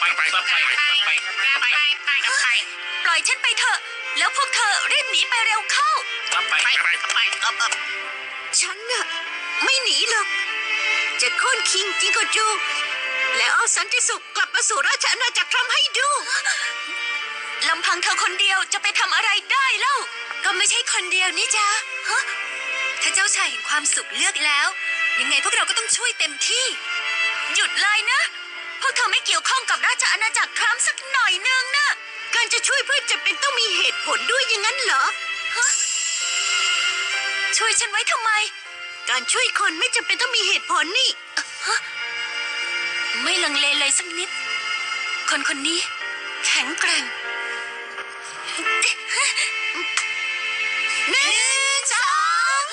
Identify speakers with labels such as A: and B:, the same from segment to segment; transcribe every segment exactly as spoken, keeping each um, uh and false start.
A: ไปไปไปไปไปไปไป
B: ปล่อยฉันไปเถอะแล้วพวกเธอรีบหนีไปเร็วเข้า
A: ไปไปไปไป
C: ฉันน่ะไม่หนีหรอกจะโค่นคิงจิงโกจูแล้วเอาสันติสุขกลับมาสู่ราชอาณาจักรทรัมป์ให้ดู
B: ลำพังเธอคนเดียวจะไปทำอะไรได้เล่าก็ไม่ใช่คนเดียวนี่จ้าฮะถ้าเจ้าชายแห่งความสุขเลือกแล้วยังไงพวกเราก็ต้องช่วยเต็มที่หยุดเลยนะพวกเธอไม่เกี่ยวข้องกับราชอาณาจักรทรัมป์สักหน่อยนึงนะ
C: การจะช่วยเพื่อนจะเป็นต้องมีเหตุผลด้วยอย่างนั้นเหรอ
B: ฮะช่วยฉันไว้ทำไม
C: การช่วยคนไม่จำเป็นต้องมีเหตุผลนี่
B: ฮะไม่ลังเลเลยสักนิดคนคนนี้แข็งแกร่ง
C: หนึ่งสอง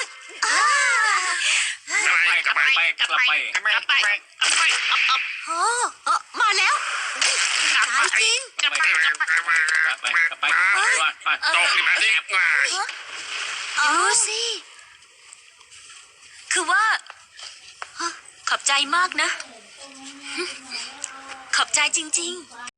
A: กลับไปกลับไปกลับไปกลับไปกลับไป
C: โอ้มาแล้วตายจริง
A: กลับไปกลับไปกลับไปกลับไปตกมาดิมา
B: ดูสิคือว่าขอบใจมากนะขอบใจจริงๆ